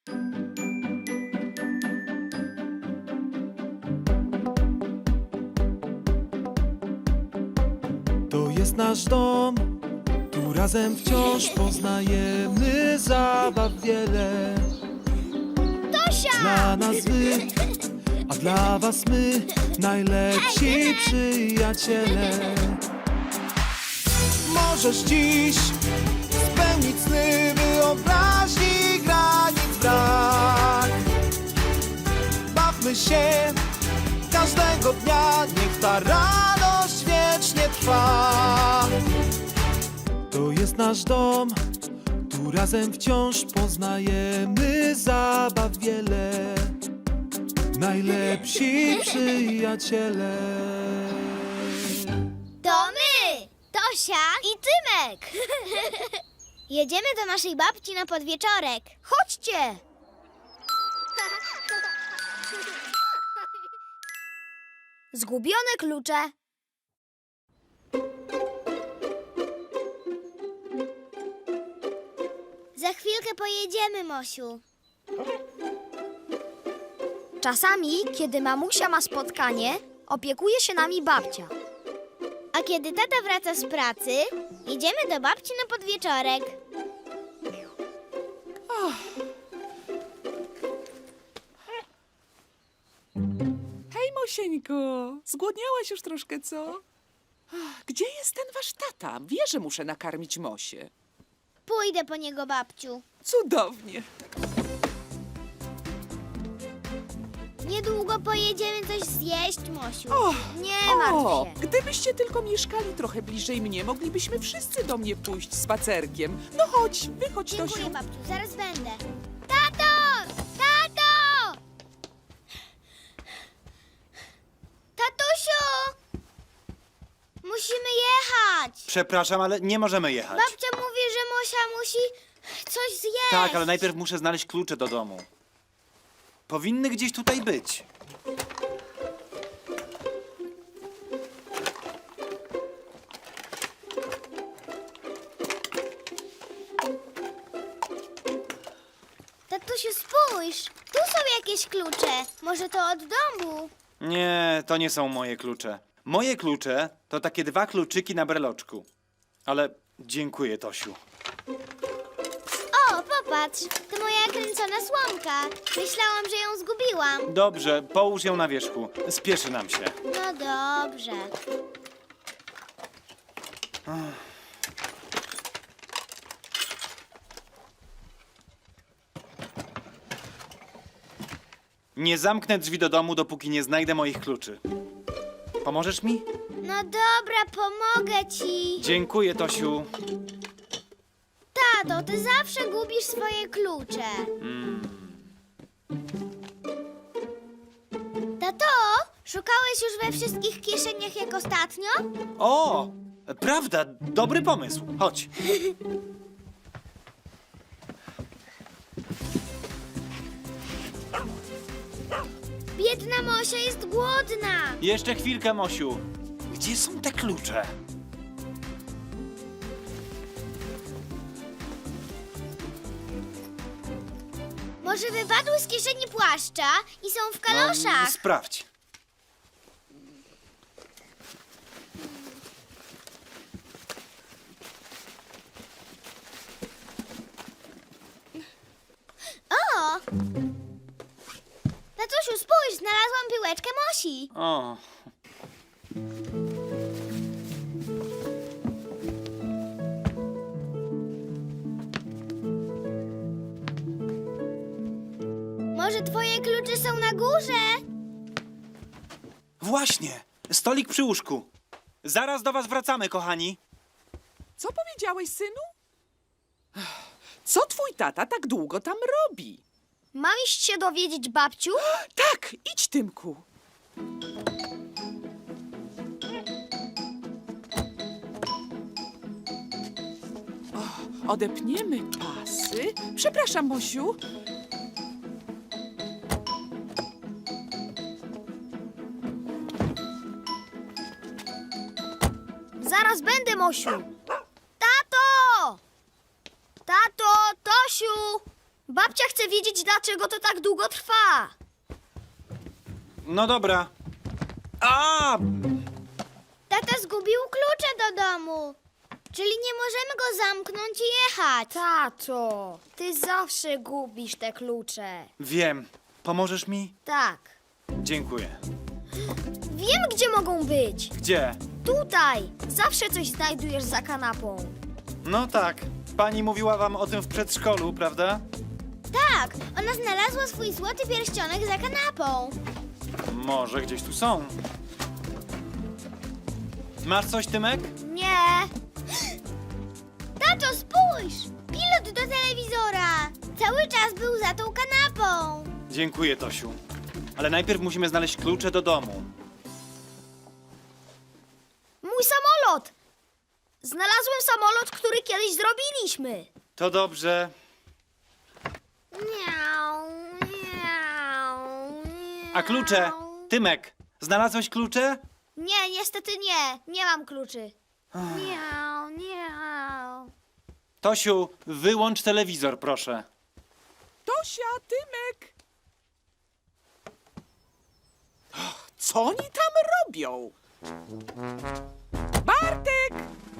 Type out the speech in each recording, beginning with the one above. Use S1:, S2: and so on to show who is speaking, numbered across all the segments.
S1: To jest nasz dom, tu razem wciąż poznajemy zabaw wiele.
S2: Tosia!
S1: Dla nas wy, a dla was my, najlepsi przyjaciele. Możesz dziś spełnić sny, wyobraźni granic brak. Bawmy się każdego dnia, niech ta radość wiecznie trwa. To jest nasz dom, tu razem wciąż poznajemy zabaw wiele. Najlepsi przyjaciele.
S2: To my! Tosia i Tymek! Jedziemy do naszej babci na podwieczorek. Chodźcie! Zgubione klucze. Za chwilkę pojedziemy, Mosiu.
S3: Czasami, kiedy mamusia ma spotkanie, opiekuje się nami babcia.
S2: A kiedy tata wraca z pracy, jedziemy do babci na podwieczorek.
S4: Hej, Mosieńko, zgłodniałaś już troszkę, co? Gdzie jest ten wasz tata? Wie, że muszę nakarmić Mosię.
S2: Pójdę po niego, babciu.
S4: Cudownie.
S2: Niedługo pojedziemy coś zjeść, Mosiu.
S4: O,
S2: Nie martw się.
S4: gdybyście tylko mieszkali trochę bliżej mnie, moglibyśmy wszyscy do mnie pójść spacerkiem. No chodź, wychodź,
S2: Dziękuję,
S4: Tosiu.
S2: babciu, zaraz będę. Tato! Tato! Tatusiu! Musimy jechać.
S5: Przepraszam, ale nie możemy jechać.
S2: Babcia mówi, że Mosia musi coś zjeść.
S5: Tak, ale najpierw muszę znaleźć klucze do domu. Powinny gdzieś tutaj być.
S2: Tatusiu, spójrz. Tu są jakieś klucze. Może to od domu?
S5: Nie, to nie są moje klucze. Moje klucze to takie 2 kluczyki na breloczku. Ale dziękuję, Tosiu.
S2: O, popatrz. To moja kręcona słomka. Myślałam, że ją zgubiłam.
S5: Dobrze, połóż ją na wierzchu. Spieszy nam się.
S2: No dobrze.
S5: Nie zamknę drzwi do domu, dopóki nie znajdę moich kluczy. Pomożesz mi?
S2: No dobra, pomogę ci.
S5: Dziękuję, Tosiu.
S2: Tato, ty zawsze gubisz swoje klucze. Tato, szukałeś już we wszystkich kieszeniach jak ostatnio?
S5: O, prawda, dobry pomysł. Chodź.
S2: Biedna Mosia jest głodna.
S5: Jeszcze chwilkę, Mosiu. Gdzie są te klucze?
S2: Może wypadły z kieszeni płaszcza i są w kaloszach.
S5: Sprawdź.
S2: O! Tatusiu, spójrz, znalazłam piłeczkę Mosi.
S5: O,
S2: Może twoje klucze są na górze?
S5: właśnie. Stolik przy łóżku. Zaraz do was wracamy, kochani.
S4: Co powiedziałeś, synu? Co twój tata tak długo tam robi?
S3: Mam iść się dowiedzieć, babciu?
S4: Tak, idź, Tymku. Odepniemy pasy. Przepraszam, Mosiu.
S3: Zaraz będę, Mosiu. Tato! Tato, Tosiu! Babcia chce wiedzieć, dlaczego to tak długo trwa.
S5: No dobra. A!
S2: Tata zgubił klucze do domu. Czyli nie możemy go zamknąć i jechać.
S3: Tato, ty zawsze gubisz te klucze.
S5: Wiem. Pomożesz mi?
S3: Tak.
S5: Dziękuję.
S3: Wiem, gdzie mogą być.
S5: Gdzie?
S3: Tutaj. Zawsze coś znajdujesz za kanapą.
S5: No tak. Pani mówiła wam o tym w przedszkolu, prawda?
S2: Tak, ona znalazła swój złoty pierścionek za kanapą.
S5: Może gdzieś tu są. Masz coś, Tymek?
S3: Nie.
S2: Tato, spójrz! Pilot do telewizora. Cały czas był za tą kanapą.
S5: Dziękuję, Tosiu. Ale najpierw musimy znaleźć klucze do domu.
S3: Mój samolot. Znalazłem samolot, który kiedyś zrobiliśmy.
S5: To dobrze.
S3: Miau, miau,
S5: A klucze? Tymek, znalazłeś klucze?
S3: Nie, niestety nie. Nie mam kluczy. Miau, miau.
S5: Tosiu, wyłącz telewizor, proszę.
S4: Tosia, Tymek! Co oni tam robią? Bartek!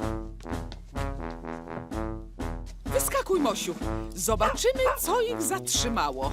S4: Wyskakuj, Mosiu. Zobaczymy, co ich zatrzymało.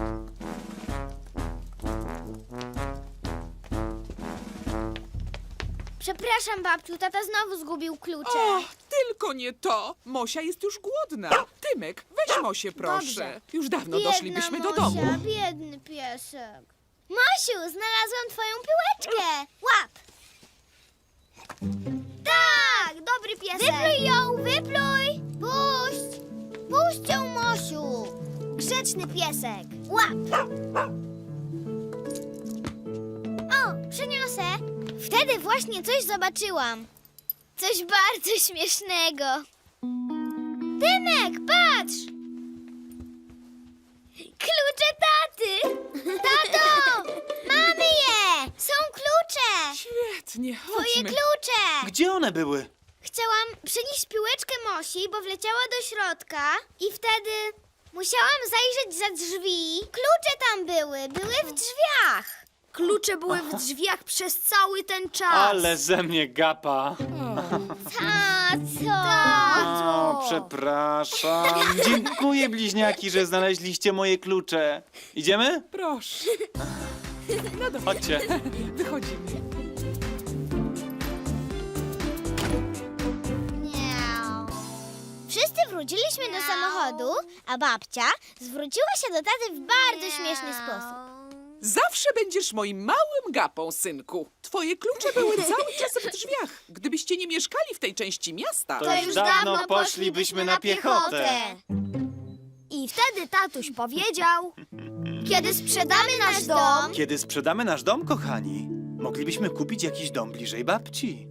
S2: Przepraszam, babciu, tata znowu zgubił klucze.
S4: O, tylko nie to. Mosia jest już głodna. Tymek, weź Mosię, proszę.
S3: Dobrze.
S4: Już dawno
S2: Biedna
S4: doszlibyśmy do
S2: Mosia,
S4: domu.
S2: biedny piesek. Mosiu, znalazłam twoją piłeczkę. Łap!
S3: Tak, dobry piesek.
S2: Wypluj ją, wypluj! Puść! Puść ją, Mosiu!
S3: Grzeczny piesek.
S2: Łap! O, przyniosę. Wtedy właśnie coś zobaczyłam. Coś bardzo śmiesznego. Tymek, patrz! Klucze taty! Tato! Mamy je! Są klucze!
S4: Świetnie,
S2: Twoje
S4: chodźmy.
S2: klucze!
S5: Gdzie one były?
S2: Chciałam przynieść piłeczkę Mosi, bo wleciała do środka i wtedy musiałam zajrzeć za drzwi. Klucze tam były w drzwiach.
S3: Klucze były w drzwiach przez cały ten czas.
S5: Ale ze mnie gapa.
S2: Tato!
S5: O, przepraszam. Dziękuję, bliźniaki, że znaleźliście moje klucze. Idziemy?
S4: Proszę. No dobrze,
S5: Chodźcie.
S4: wychodzimy.
S2: Miau. Wszyscy wróciliśmy do samochodu, a babcia zwróciła się do taty w bardzo śmieszny sposób.
S4: Zawsze będziesz moim małym gapą, synku. Twoje klucze były cały czas w drzwiach. Gdybyście nie mieszkali w tej części miasta,
S5: To już dawno poszlibyśmy na piechotę.
S3: I wtedy tatuś powiedział, kiedy sprzedamy nasz dom,
S5: Kiedy sprzedamy nasz dom, kochani, moglibyśmy kupić jakiś dom bliżej babci.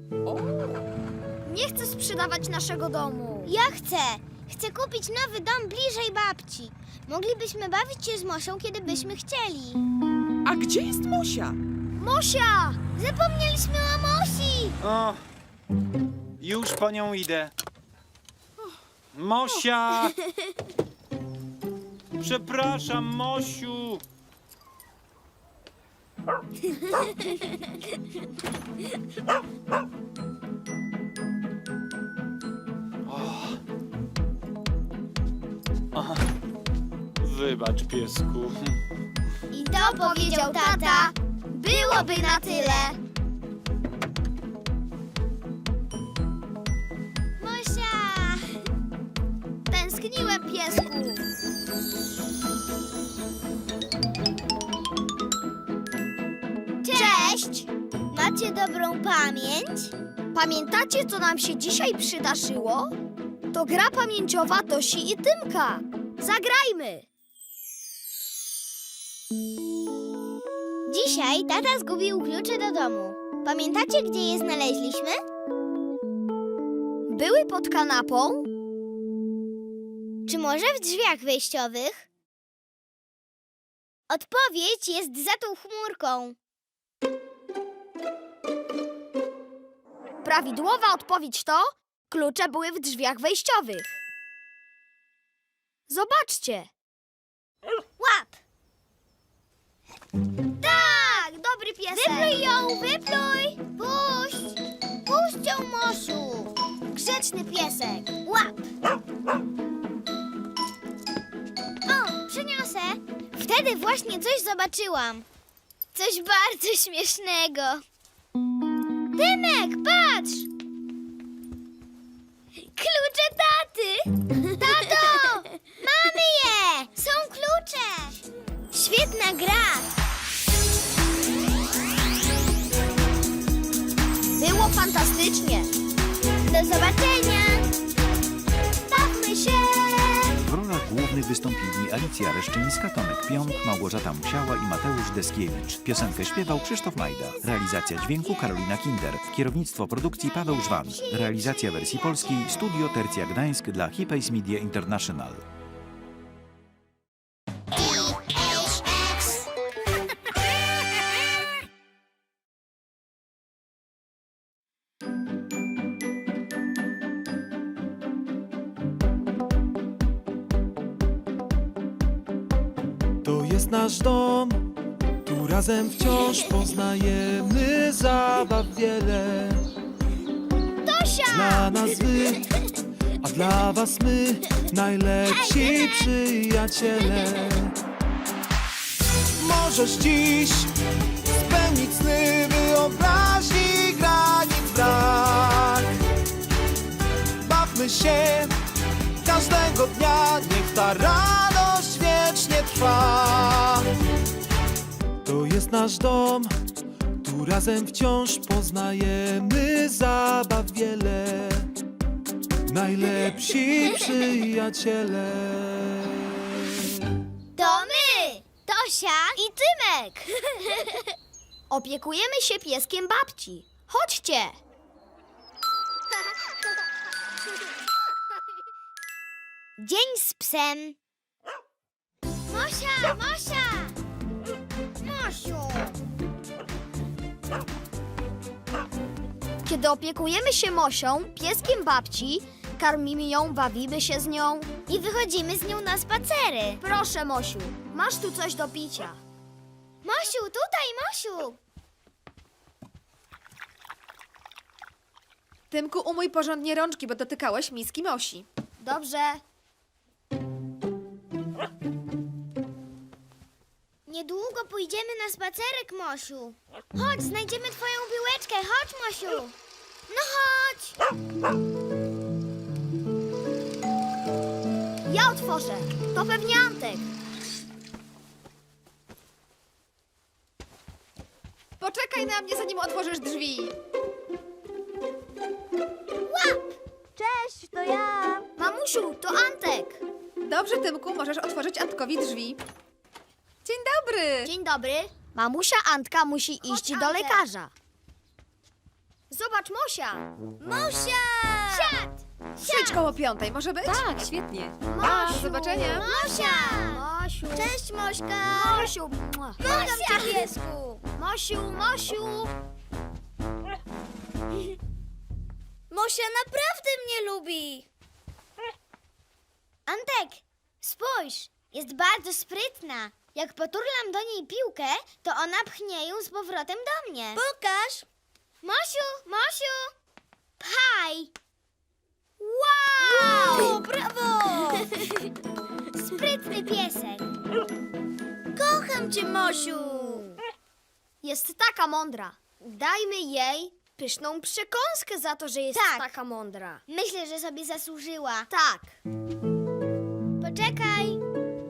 S3: nie chcę sprzedawać naszego domu.
S2: Ja chcę! Chcę kupić nowy dom bliżej babci. Moglibyśmy bawić się z Mosią, kiedy byśmy chcieli.
S4: a gdzie jest Mosia?
S3: Mosia!
S2: Zapomnieliśmy o Mosi!
S5: O, już po nią idę. Mosia! Przepraszam, Mosiu! O. Wybacz, piesku.
S2: I to powiedział tata. Byłoby na tyle. Mosia!
S3: Tęskniłem, piesku.
S2: Cześć! Macie dobrą pamięć?
S3: Pamiętacie, co nam się dzisiaj przydarzyło? To gra pamięciowa Tosi i Tymka. Zagrajmy!
S2: Dzisiaj tata zgubił klucze do domu. Pamiętacie, gdzie je znaleźliśmy?
S3: Były pod kanapą?
S2: Czy może w drzwiach wejściowych? Odpowiedź jest za tą chmurką.
S3: Prawidłowa odpowiedź to klucze były w drzwiach wejściowych. Zobaczcie.
S2: Łap!
S3: Tak, dobry piesek.
S2: Wypluj ją, wypluj! Puść! Puść ją, Mosiu! Grzeczny piesek. Łap! O, przyniosę. Wtedy właśnie coś zobaczyłam. Coś bardzo śmiesznego. Tymek, patrz! Klucze taty! Tato! Mamy je! Są klucze! Świetna gra!
S3: Było fantastycznie.
S2: Do zobaczenia! Bawmy się!
S6: W rolach głównych wystąpili Alicja Reszczyńska, Tomek Pionk, Małgorzata Musiała i Mateusz Deskiewicz. Piosenkę śpiewał Krzysztof Majda. Realizacja dźwięku Karolina Kinder. Kierownictwo produkcji Paweł Żwan. Realizacja wersji polskiej Studio Tercja Gdańsk dla Hipays Media International.
S1: To jest nasz dom, tu razem wciąż poznajemy zabaw wiele. Dla nas wy, a dla was my, najlepsi przyjaciele. Możesz dziś spełnić sny wyobraźni, granic brak. Bawmy się każdego dnia, niech ta radość wiecznie trwa. To jest nasz dom, tu razem wciąż poznajemy zabaw wiele. Najlepsi przyjaciele.
S2: To my! Tosia i Tymek!
S3: Opiekujemy się pieskiem babci. Chodźcie.
S2: Dzień z psem. Mosia! Mosia! Mosiu!
S3: Kiedy opiekujemy się Mosią, pieskiem babci, karmimy ją, bawimy się z nią.
S2: I wychodzimy z nią na spacery.
S3: Proszę, Mosiu, masz tu coś do picia.
S2: Mosiu, tutaj, Mosiu!
S7: Tymku, umyj porządnie rączki, bo dotykałeś miski Mosi.
S3: Dobrze.
S2: Niedługo pójdziemy na spacerek, Mosiu. Chodź, znajdziemy twoją piłeczkę. Chodź, Mosiu. No chodź.
S3: Ja otworzę. To pewnie Antek.
S7: Poczekaj na mnie, zanim otworzysz drzwi.
S3: Cześć, to ja. Mamusiu, to Antek.
S7: Dobrze, Tymku, możesz otworzyć Antkowi drzwi. Dzień dobry.
S3: Dzień dobry. Mamusia Antka musi iść do
S2: Antek.
S3: lekarza. Zobacz, Mosia.
S2: Mosia! Siad!
S7: Przyjdź koło 5:00, może być? Tak, świetnie. Pa, do zobaczenia.
S2: Mosia!
S3: Mosiu.
S2: Cześć, Mośka!
S3: Mosiu. Mua.
S2: Kocham cię, piesku!
S3: Mosiu, Mosiu.
S2: Mosia naprawdę mnie lubi. Antek, spójrz, jest bardzo sprytna. Jak poturlam do niej piłkę, to ona pchnie ją z powrotem do mnie. Pokaż. Mosiu, Mosiu, pchaj. Wow! Brawo! Sprytny piesek. Kocham cię, Mosiu.
S3: Jest taka mądra. Dajmy jej pyszną przekąskę za to, że jest
S2: Tak.
S3: taka mądra.
S2: Myślę, że sobie zasłużyła.
S3: Tak.
S2: Poczekaj.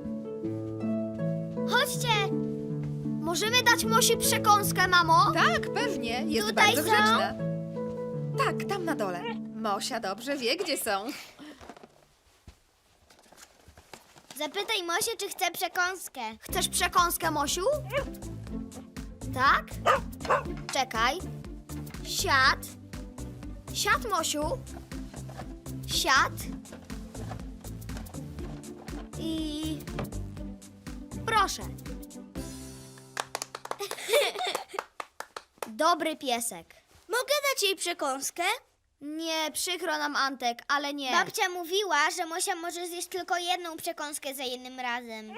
S2: Chodźcie.
S3: Możemy dać Mosi przekąskę, mamo?
S7: Tak, pewnie, jest
S2: Tutaj
S7: bardzo
S2: są?
S7: grzeczna. Tak, tam na dole. Mosia dobrze wie, gdzie są.
S2: Zapytaj Mosię, czy chce przekąskę.
S3: Chcesz przekąskę, Mosiu? Tak? Czekaj. Siad. Siad, Mosiu. Siad. I... Proszę. Dobry piesek.
S2: Mogę dać jej przekąskę?
S3: Nie, przykro nam, Antek, ale nie.
S2: Babcia mówiła, że Mosia może zjeść tylko jedną przekąskę za jednym razem.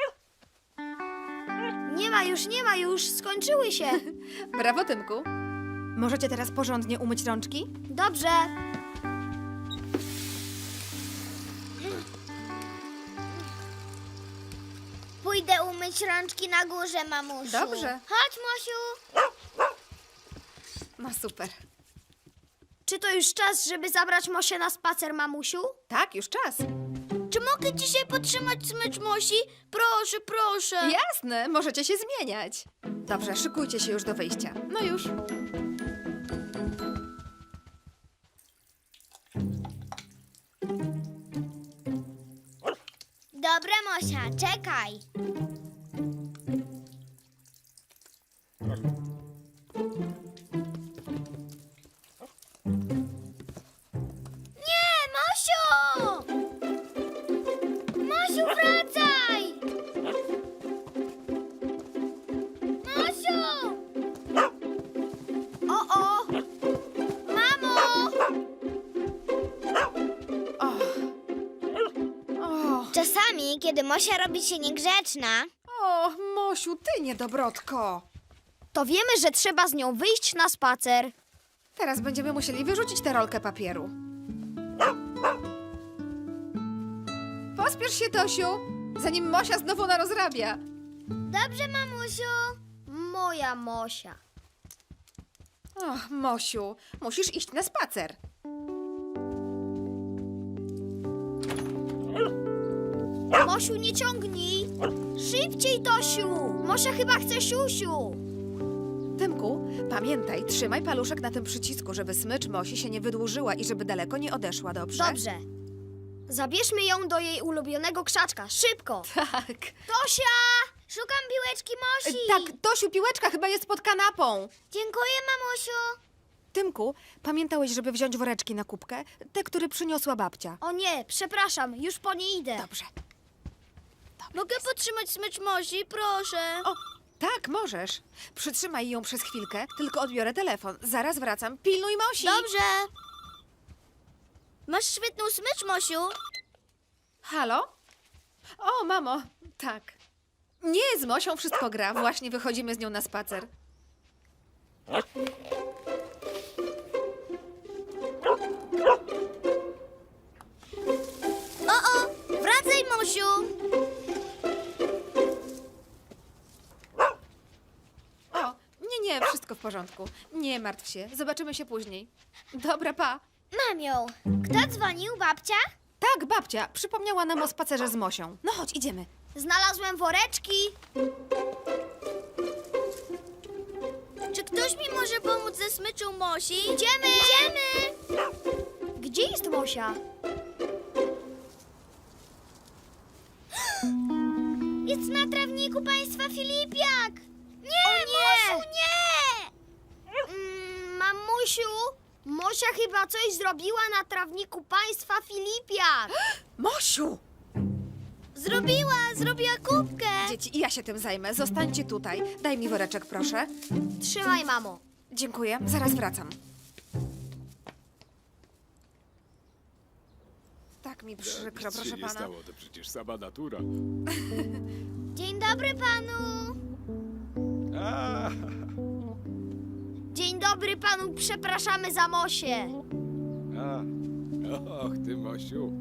S3: Nie ma już, skończyły się.
S7: Brawo, Tymku. Możecie teraz porządnie umyć rączki?
S3: Dobrze.
S2: Pójdę umyć rączki na górze, mamusiu.
S7: Dobrze.
S2: Chodź, Mosiu.
S7: No super.
S3: Czy to już czas, żeby zabrać Mosię na spacer, mamusiu?
S7: Tak, już czas.
S3: Czy mogę dzisiaj podtrzymać smycz Mosi? Proszę, proszę.
S7: Jasne, możecie się zmieniać. Dobrze, szykujcie się już do wyjścia. No już.
S2: Dobra, Mosia, czekaj. Nie, Mosiu! Mosiu, wracaj! Mosiu!
S3: O!
S2: Mamo!
S7: O,
S2: Czasami, kiedy Mosia robi się niegrzeczna,
S7: o, Mosiu, ty niedobrotko.
S3: To wiemy, że trzeba z nią wyjść na spacer.
S7: Teraz będziemy musieli wyrzucić tę rolkę papieru. Pospiesz się, Tosiu, zanim Mosia znowu narozrabia.
S2: dobrze, mamusiu.
S3: Moja Mosia.
S7: Och, Mosiu, musisz iść na spacer.
S3: Mosiu, nie ciągnij. Szybciej, Tosiu. Mosia chyba chce siusiu.
S7: Tymku, pamiętaj, trzymaj paluszek na tym przycisku, żeby smycz Mosi się nie wydłużyła i żeby daleko nie odeszła, dobrze?
S3: Dobrze. Zabierzmy ją do jej ulubionego krzaczka. Szybko.
S7: Tak.
S3: Tosia!
S2: Szukam piłeczki Mosi.
S7: Tak, Tosiu, piłeczka chyba jest pod kanapą.
S2: Dziękuję, mamusiu.
S7: Tymku, pamiętałeś, żeby wziąć woreczki na kubkę? Te, które przyniosła babcia.
S3: O nie, przepraszam, już po nie idę.
S7: Dobrze.
S3: Mogę podtrzymać smycz Mosi, proszę?
S7: O, tak, możesz. Przytrzymaj ją przez chwilkę, tylko odbiorę telefon. Zaraz wracam. Pilnuj Mosi.
S3: Dobrze. Masz świetną smycz, Mosiu.
S7: Halo? O, mamo, tak. Nie, z Mosią wszystko gra. Właśnie wychodzimy z nią na spacer.
S3: Wracaj, Mosiu.
S7: O, nie, wszystko w porządku. Nie martw się, zobaczymy się później. Dobra, pa.
S2: Mam ją. Kto dzwonił, babcia?
S7: Tak, babcia, przypomniała nam o spacerze z Mosią. No chodź, idziemy.
S3: Znalazłem woreczki. Czy ktoś mi może pomóc ze smyczą Mosi? Idziemy! Idziemy! Gdzie jest Mosia?
S2: Jest na trawniku państwa Filipiak. Nie,
S3: O nie!
S2: Mosiu, nie!
S3: Mamusiu, Mosia chyba coś zrobiła na trawniku państwa Filipiak.
S7: Mosiu!
S2: Zrobiła kubkę.
S7: Dzieci, ja się tym zajmę. Zostańcie tutaj. Daj mi woreczek, proszę.
S3: Trzymaj, mamo.
S7: Dziękuję, zaraz wracam. Tak mi przykro,
S8: Nic
S7: proszę
S8: się nie
S7: pana.
S8: stało, to przecież sama natura.
S2: Dzień dobry panu.
S8: A,
S3: Dzień dobry panu, przepraszamy za Mosię.
S8: a. Och, ty Mosiu.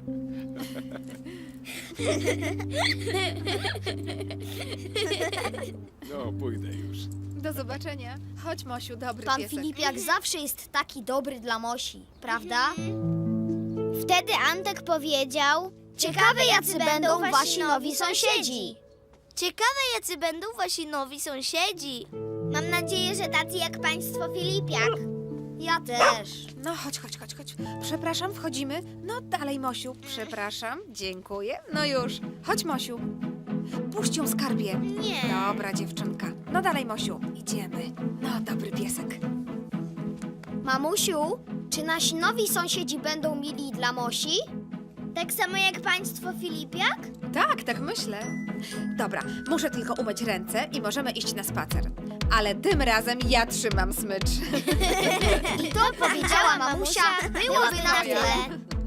S8: No, pójdę już.
S7: Do zobaczenia. Chodź, Mosiu, dobry
S3: Pan
S7: piesek.
S3: Filipiak zawsze jest taki dobry dla Mosi, prawda?
S2: Wtedy Antek powiedział:
S3: Ciekawe, jacy będą wasi nowi sąsiedzi.
S2: Ciekawe, jacy będą wasi nowi sąsiedzi. Mam nadzieję, że tacy jak państwo Filipiak.
S3: Ja też.
S7: No, chodź. Przepraszam, wchodzimy. No, dalej, Mosiu. Przepraszam, dziękuję. No już. Chodź, Mosiu. Puść ją, skarbie.
S2: Nie.
S7: Dobra, dziewczynka. No dalej, Mosiu. Idziemy. No, dobry piesek.
S3: Mamusiu, czy nasi nowi sąsiedzi będą mili dla Mosi?
S2: Tak samo jak państwo Filipiak?
S7: Tak myślę. Dobra, muszę tylko umyć ręce i możemy iść na spacer. ale tym razem ja trzymam smycz.
S3: I to powiedziała mamusia, byłoby na tyle.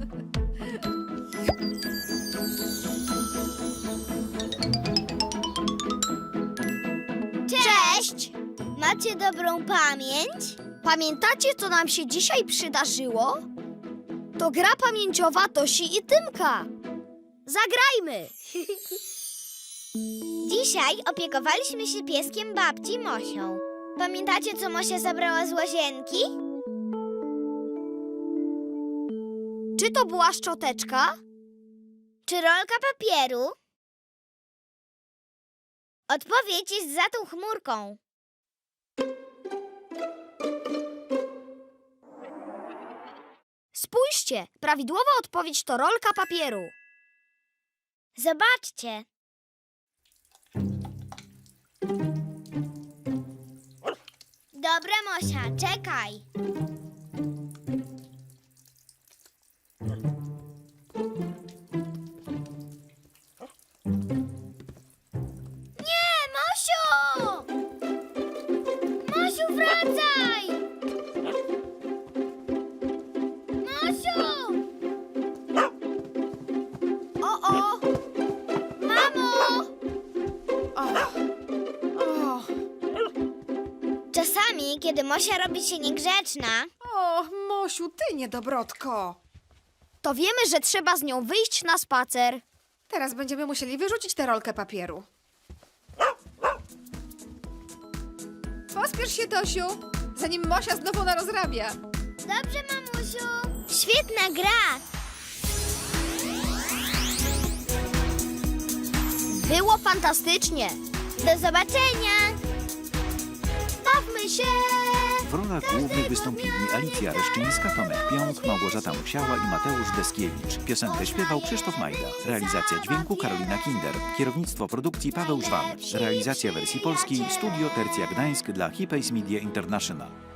S3: Cześć!
S2: Macie dobrą pamięć?
S3: Pamiętacie, co nam się dzisiaj przydarzyło? To gra pamięciowa Tosi i Tymka. Zagrajmy!
S2: Dzisiaj opiekowaliśmy się pieskiem babci Mosią. Pamiętacie, co Mosia zabrała z łazienki?
S3: Czy to była szczoteczka?
S2: Czy rolka papieru? Odpowiedź jest za tą chmurką.
S3: Spójrzcie, prawidłowa odpowiedź to rolka papieru.
S2: Zobaczcie. Dobra, Mosia, czekaj. Nie, Mosiu! Mosiu, wracaj! Mosiu!
S3: O!
S2: Mamo!
S7: O,
S2: Czasami, kiedy Mosia robi się niegrzeczna,
S7: o, Mosiu, ty niedobrotko.
S3: To wiemy, że trzeba z nią wyjść na spacer.
S7: Teraz będziemy musieli wyrzucić tę rolkę papieru. Pospiesz się, Tosiu, zanim Mosia znowu narozrabia.
S2: Dobrze, mamusiu. Świetna gra.
S3: Było fantastycznie.
S2: Do zobaczenia.
S3: Bawmy się!
S6: W rolach głównych wystąpili Alicja Reszczyńska, Tomek Pionk, Małgorzata Musiała i Mateusz Deskiewicz. Piosenkę śpiewał Krzysztof Majda. Realizacja dźwięku Karolina Kinder. Kierownictwo produkcji Paweł Żwan. Realizacja wersji polskiej Studio Tercja Gdańsk dla Hipays Media International.